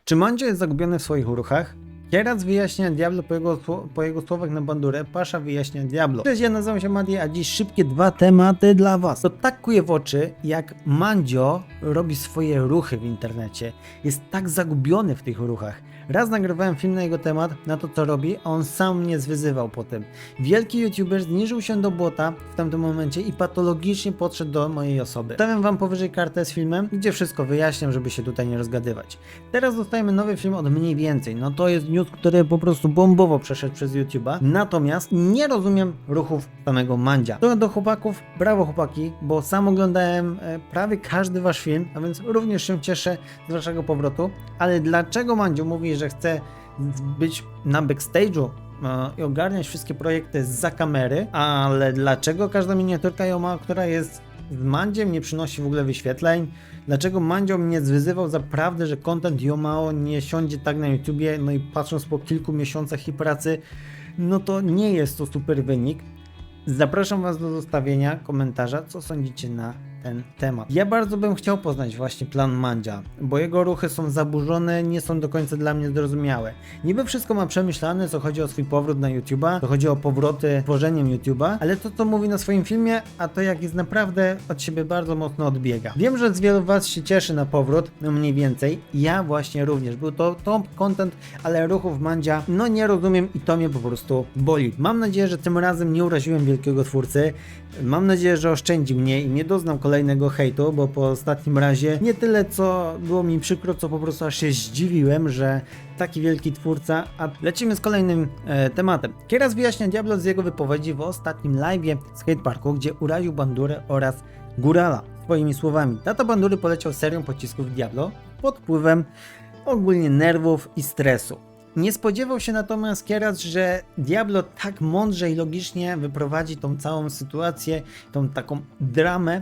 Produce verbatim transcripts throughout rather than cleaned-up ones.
Czy Mandzio jest zagubiony w swoich ruchach? Kieras wyjaśnia Diablo po jego, po jego słowach na bandurę, Pasza wyjaśnia Diablo. Cześć, ja nazywam się Mati, a dziś szybkie dwa tematy dla was. To tak kuje w oczy, jak Mandzio robi swoje ruchy w internecie. Jest tak zagubiony w tych ruchach. Raz nagrywałem film na jego temat, na to co robi, a on sam mnie zwyzywał po tym. Wielki youtuber zniżył się do błota w tamtym momencie i patologicznie podszedł do mojej osoby. Stawiam wam powyżej kartę z filmem, gdzie wszystko wyjaśniam, żeby się tutaj nie rozgadywać. Teraz dostajemy nowy film od Mniej Więcej. No to jest news, który po prostu bombowo przeszedł przez YouTube'a. Natomiast nie rozumiem ruchów samego Mandzia. To do chłopaków, brawo chłopaki, bo sam oglądałem e, prawie każdy wasz film, a więc również się cieszę z waszego powrotu. Ale dlaczego Mandzio mówi, że chce być na backstage'u e, i ogarniać wszystkie projekty zza kamery, ale dlaczego każda miniaturka Joma, która jest z Mandziem, nie przynosi w ogóle wyświetleń? Dlaczego Mandzio mnie zwyzywał za prawdę, że content Jomao nie siądzie tak na YouTubie? No i patrząc po kilku miesiącach i pracy, no to nie jest to super wynik. Zapraszam was do zostawienia komentarza, co sądzicie na ten temat. Ja bardzo bym chciał poznać właśnie plan Mandzia, bo jego ruchy są zaburzone, nie są do końca dla mnie zrozumiałe. Niby wszystko ma przemyślane, co chodzi o swój powrót na YouTube'a, co chodzi o powroty tworzeniem YouTube'a, ale to co mówi na swoim filmie, a to jak jest naprawdę od siebie bardzo mocno odbiega. Wiem, że z wielu was się cieszy na powrót, no mniej więcej, ja właśnie również. Był to top content, ale ruchów Mandzia no nie rozumiem i to mnie po prostu boli. Mam nadzieję, że tym razem nie uraziłem wielkiego twórcy. Mam nadzieję, że oszczędzi mnie i nie doznam kolejnego hejtu, bo po ostatnim razie nie tyle co było mi przykro, co po prostu aż się zdziwiłem, że taki wielki twórca. A lecimy z kolejnym e, tematem. Kieras wyjaśnia Diablo z jego wypowiedzi w ostatnim live'ie z Hate Parku, gdzie uraził Bandurę oraz Górala swoimi słowami. Tata Bandury poleciał serią pocisków Diablo pod wpływem ogólnie nerwów i stresu. Nie spodziewał się natomiast Kieras, że Diablo tak mądrze i logicznie wyprowadzi tą całą sytuację, tą taką dramę,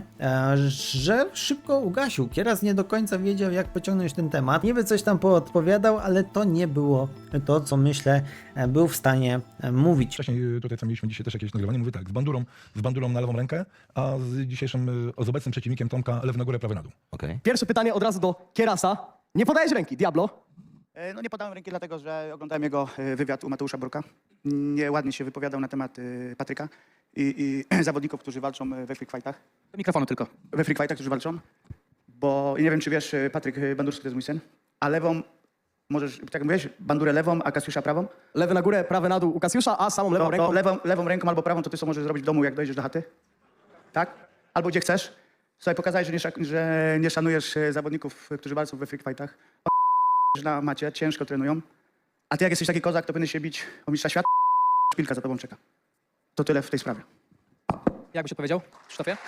że szybko ugasił. Kieras nie do końca wiedział, jak pociągnąć ten temat. Niby coś tam poodpowiadał, ale to nie było to, co myślę, był w stanie mówić. Wcześniej tutaj, co mieliśmy dzisiaj też jakieś nagrywanie, mówię tak, z bandurą, z bandurą na lewą rękę, a z dzisiejszym, z obecnym przeciwnikiem Tomka lew na górę, prawy na dół. Okay. Pierwsze pytanie od razu do Kierasa. Nie podajesz ręki, Diablo. E, No nie podałem ręki dlatego, że oglądałem jego e, wywiad u Mateusza Bruka. Nieładnie się wypowiadał na temat e, Patryka i, i zawodników, którzy walczą e, we free fightach. Do mikrofonu tylko. We free fightach, którzy walczą. Bo nie wiem, czy wiesz, e, Patryk e, Bandurski to jest mój syn, a lewą możesz, tak jak mówiłeś, bandurę lewą, a Kasiusza prawą. Lewy na górę, prawy na dół u Kasiusza, a samą lewą To, ręką. to lewą, lewą ręką albo prawą to ty co możesz zrobić w domu, jak dojdziesz do chaty. Tak? Albo gdzie chcesz. Słuchaj, pokazałeś, że nie, szak- że nie szanujesz e, zawodników, którzy walczą we free fightach. Na macie, ciężko trenują. A ty jak jesteś taki kozak, to powinien się bić o mistrza świata. Szpilka za tobą czeka. To tyle w tej sprawie. Jak byś odpowiedział, Krzysztofie?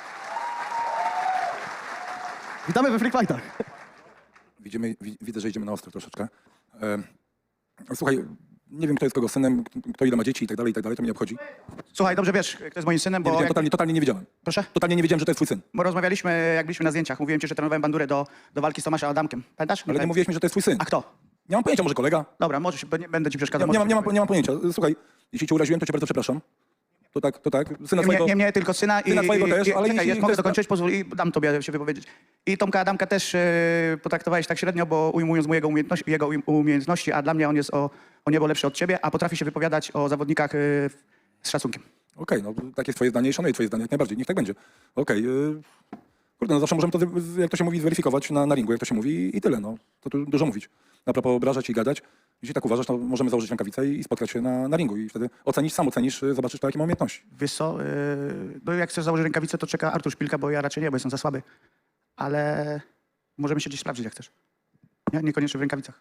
Witamy we Free Fightach. Widzimy, wi- widzę, że idziemy na ostro troszeczkę. E, słuchaj, nie wiem, kto jest kogo synem, kto ile ma dzieci i tak dalej, i tak dalej, to mnie nie obchodzi. Słuchaj, dobrze wiesz, kto jest moim synem, Nie bo wiedziałem, jak, totalnie, totalnie nie wiedziałem. proszę? Totalnie nie wiedziałem, że to jest twój syn. Bo rozmawialiśmy, jak byliśmy na zdjęciach. Mówiłem ci, że trenowałem bandurę do, do walki z Tomaszem Adamkiem. Pamiętasz? Ale nie pamię- mówiłeś mi, że to jest twój syn. A kto? Nie mam pojęcia, może kolega? Dobra, możesz, bo nie będę ci Nie, przeszkadzał. nie, mam, możesz nie, mam, powiedzieć. nie mam pojęcia. Słuchaj, jeśli cię uraziłem, to cię bardzo przepraszam. To tak, to tak. Syna Nie, twojego... nie, nie mnie, tylko syna i, Syna twojego i, też, i, ale czekaj, jeśli ja mogę chcesz- dokończyć, pozwól i dam tobie się wypowiedzieć. I Tomka Adamka też e, potraktowałeś tak średnio, bo ujmując mu jego umiejętności, jego um- umiejętności, a dla mnie on jest o, o niebo lepszy od ciebie, a potrafi się wypowiadać o zawodnikach e, z szacunkiem. Okej, no takie jest twoje zdanie i szanuję twoje zdanie jak najbardziej, niech tak będzie. Okej, yy, kurde, no zawsze możemy to, z- jak to się mówi, zweryfikować na, na ringu, jak to się mówi i tyle, no. To tu dużo mówić. Na propos obrażać i gadać. Jeśli tak uważasz, to możemy założyć rękawice i spotkać się na, na ringu i wtedy ocenisz, sam ocenisz, yy, zobaczysz, to, jakie ma umiejętności. Wiesz co, yy, no jak chcesz założyć rękawicę, to czeka Artur Szpilka, bo ja raczej nie, bo jestem za słaby. Ale możemy się gdzieś sprawdzić, jak chcesz. Nie? Niekoniecznie w rękawicach.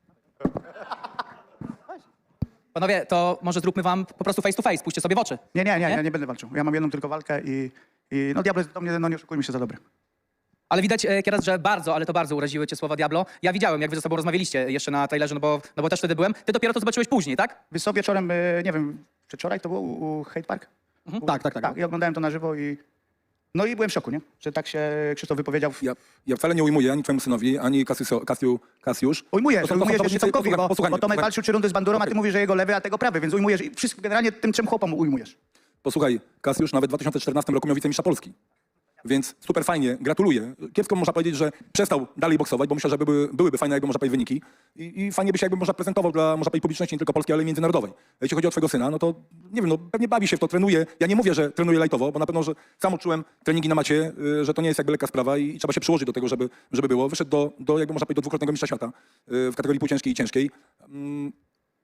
Panowie, to może zróbmy wam po prostu face to face, spójrzcie sobie w oczy. Nie, nie, nie, Nie? ja nie będę walczył. Ja mam jedną tylko walkę i, i no diabeł jest do mnie, no nie oszukujmy się, za dobry. Ale widać, e, Kieras, że bardzo, ale to bardzo uraziły cię słowa Diablo. Ja widziałem, jak wy ze sobą rozmawialiście jeszcze na trailerze, no bo, no bo też wtedy byłem. Ty dopiero to zobaczyłeś później, tak? Wiesz co, wieczorem, yy, nie wiem, przedwczoraj to było u, u Hate Park? U, Tak, tak, tak. Tak, i oglądałem to na żywo i no i byłem w szoku, nie? Że tak się Krzysztof wypowiedział. W... Ja, ja wcale nie ujmuję ani twojemu synowi, ani Kasiusio, Kasiu, Kasiusz. Ujmujesz, To są- to są ujmujesz jeszcze zawodnicy- Tomkowi, bo, posłuchaj bo mnie, Tomek posłuchaj. walczył trzy rundy z bandurą, a ty mówisz, że jego lewy, a tego prawy, więc ujmujesz i wszystko generalnie tym trzem chłopom ujmujesz. Posłuchaj, Kasiusz nawet w dwa tysiące czternastym roku miał wicemistrza Polski. Więc super fajnie, gratuluję. Kiepsko można powiedzieć, że przestał dalej boksować, bo myślę, że były, byłyby fajne, jakby można powiedzieć, wyniki. I, I fajnie by się jakby można prezentował dla, można powiedzieć, publiczności nie tylko polskiej, ale i międzynarodowej. Jeśli chodzi o twojego syna, no to nie wiem, no pewnie bawi się w to, trenuje. Ja nie mówię, że trenuje lajtowo, bo na pewno, że sam odczułem treningi na macie, y, że to nie jest jakby lekka sprawa i, i trzeba się przyłożyć do tego, żeby, żeby było. Wyszedł do, do, jakby można powiedzieć, do dwukrotnego mistrza świata y, w kategorii półciężkiej i ciężkiej. Mm,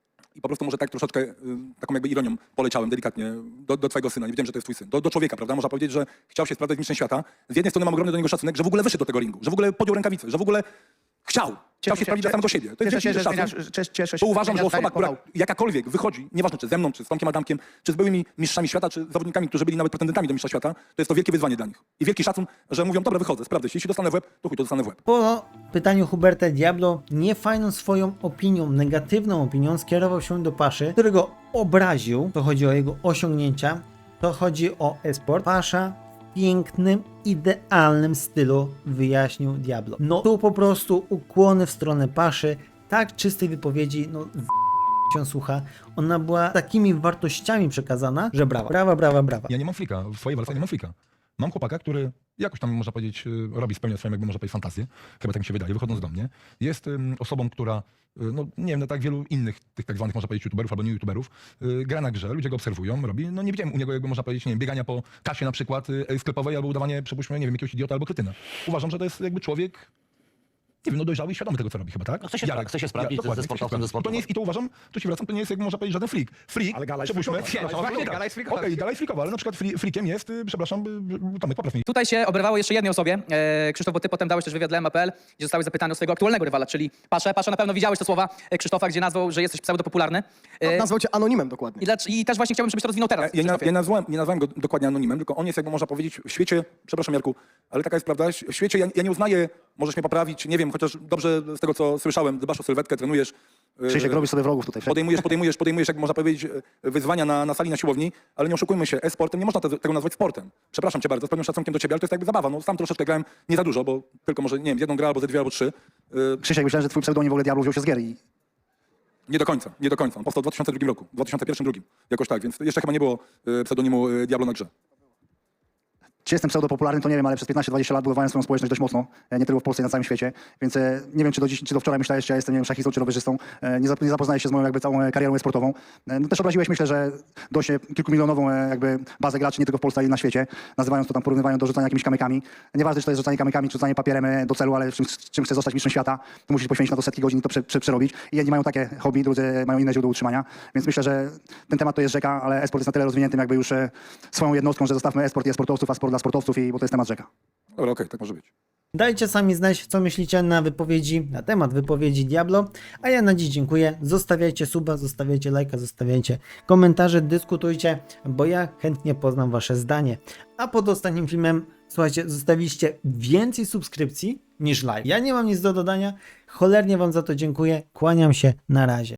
I po prostu może tak troszeczkę y, taką jakby ironią poleciałem delikatnie do, do twojego syna. Nie wiedziałem, że to jest twój syn. Do, do człowieka, prawda? Można powiedzieć, że chciał się sprawdzać z mistrzem świata. Z jednej strony mam ogromny do niego szacunek, że w ogóle wyszedł do tego ringu, że w ogóle podjął rękawice, że w ogóle chciał. Chciał się sprawdzić dla samego siebie. To jest Cieszę się, wielki że szacun. zmieniasz, cies- cieszę się, Bo uważam, że zmieniasz osoba, zdanie, która jakakolwiek wychodzi, nieważne czy ze mną, czy z Tomkiem Adamkiem, czy z byłymi mistrzami świata, czy z zawodnikami, którzy byli nawet pretendentami do mistrza świata, to jest to wielkie wyzwanie dla nich. I wielki szacun, że mówią, dobra, wychodzę, sprawdzę się. Jeśli dostanę w łeb, to chuj, to dostanę w łeb. Po pytaniu Huberta Diablo niefajną swoją opinią, negatywną opinią skierował się do Paszy, którego obraził. To chodzi o jego osiągnięcia, to chodzi o e-sport. Pasza w pięknym, idealnym stylu wyjaśnił Diablo. No tu po prostu ukłony w stronę Paszy, tak czystej wypowiedzi, no z się słucha. Ona była takimi wartościami przekazana, że brawa, brawa, brawa, brawa. Ja nie mam flika, w swojej walce nie mam flika. Mam chłopaka, który jakoś tam, można powiedzieć, y, robi, spełnia swoją, jakby można powiedzieć, fantazję. Chyba tak mi się wydaje, wychodząc do mnie. Jest ym, osobą, która, y, no nie wiem, no tak wielu innych tych tak zwanych, można powiedzieć, youtuberów albo nie youtuberów, y, gra na grze, ludzie go obserwują, robi. No nie widziałem u niego, jakby można powiedzieć, nie wiem, biegania po kasie na przykład y, sklepowej albo udawanie, przypuśćmy, nie wiem, jakiegoś idiota albo kretyna. Uważam, że to jest jakby człowiek, nie wiem, no dojrzały i świadomy tego, co robi chyba, tak? No chce się spra- chce się sprawdzić, Ja, ze- dokładnie, ze chce się sportowcem, ze sprawdzić. I to nie jest, I to uważam, tu się wracam, to nie jest, jak można powiedzieć, żaden freak. Freak, Ale gala jest przypuśćmy, freakowa. no, Właśnie, tak. gala jest freakowa. Okej, gala jest freakowa, ale na przykład free, freakiem jest, y, przepraszam, y, y, Tomek, popraw mnie. Tutaj się oberwało jeszcze jednej osobie. E, Krzysztof, bo ty potem dałeś też wywiad dla M A P L, gdzie zostałeś zapytany o swojego aktualnego rywala, czyli Paszę. Pasza, na pewno widziałeś te słowa e, Krzysztofa, gdzie nazwał, że jesteś pseudopopularny. E, Nazwał cię anonimem dokładnie. i, lecz, I też właśnie chciałbym, żebyś to rozwinął teraz. Ja, ja, Krzysztofie. ja nazwałem, nie nazwałem go dokładnie anonimem, tylko on jest, jakby można powiedzieć, w świecie, przepraszam Jarku, ale taka jest prawda, w świecie ja, ja nie uznaję, możesz mnie poprawić, nie wiem, chociaż dobrze z tego, co słyszałem, dbasz o sylwetkę, trenujesz, yy, Krzysiek, robisz sobie wrogów tutaj. podejmujesz, podejmujesz, podejmujesz, jak można powiedzieć, yy, wyzwania na, na sali, na siłowni, ale nie oszukujmy się, e-sportem nie można te, tego nazwać sportem. Przepraszam cię bardzo, z pewnym szacunkiem do ciebie, ale to jest jakby zabawa, no sam troszeczkę grałem, nie za dużo, bo tylko może, nie wiem, z jedną grę albo ze dwie albo trzy. Yy, Krzysiek, myślałem, że twój pseudonim w ogóle Diablo wziął się z gier i Nie do końca, nie do końca. On powstał w dwa tysiące drugim roku, w dwa tysiące pierwszym drugim, jakoś tak, więc jeszcze chyba nie było yy, pseudonimu yy, Diablo na grze. czy jestem pseudopopularny, to nie wiem, ale przez piętnaście dwadzieścia lat budowałem swoją społeczność dość mocno, e, nie tylko w Polsce, i na całym świecie, więc e, nie wiem, czy do, dziś, czy do wczoraj myślałeś, czy ja jestem, nie wiem, szachistą, czy rowerzystą, e, nie, zap, nie zapoznałeś się z moją jakby całą e, karierą sportową. E, no też obraziłeś, myślę, że dość e, kilkumilionową e, jakby bazę graczy, nie tylko w Polsce, ale i na świecie, nazywając to tam, porównywając do rzucania jakimiś kamykami. Nieważne, czy to jest rzucanie kamykami, czy rzucanie papierem e, do celu, ale czym, czym chcesz zostać mistrzem świata, to musisz poświęcić na to setki godzin i to prze, prze, przerobić. I jedni mają takie hobby, drudzy mają inne źródło utrzymania, więc myślę, że ten temat to jest rzeka, ale e-sport jest na tyle rozwiniętym jakby już e, swoją jednostką, że zostawmy e-sport i e-sportowców, a sport dla sportowców, i bo to jest temat rzeka. Dobra, okej, tak może być. Dajcie sami znać, co myślicie na wypowiedzi, na temat wypowiedzi Diablo, a ja na dziś dziękuję. Zostawiajcie suba, zostawiajcie lajka, zostawiajcie komentarze, dyskutujcie, bo ja chętnie poznam wasze zdanie. A pod ostatnim filmem, słuchajcie, zostawiliście więcej subskrypcji niż like. Ja nie mam nic do dodania, cholernie wam za to dziękuję, kłaniam się, na razie.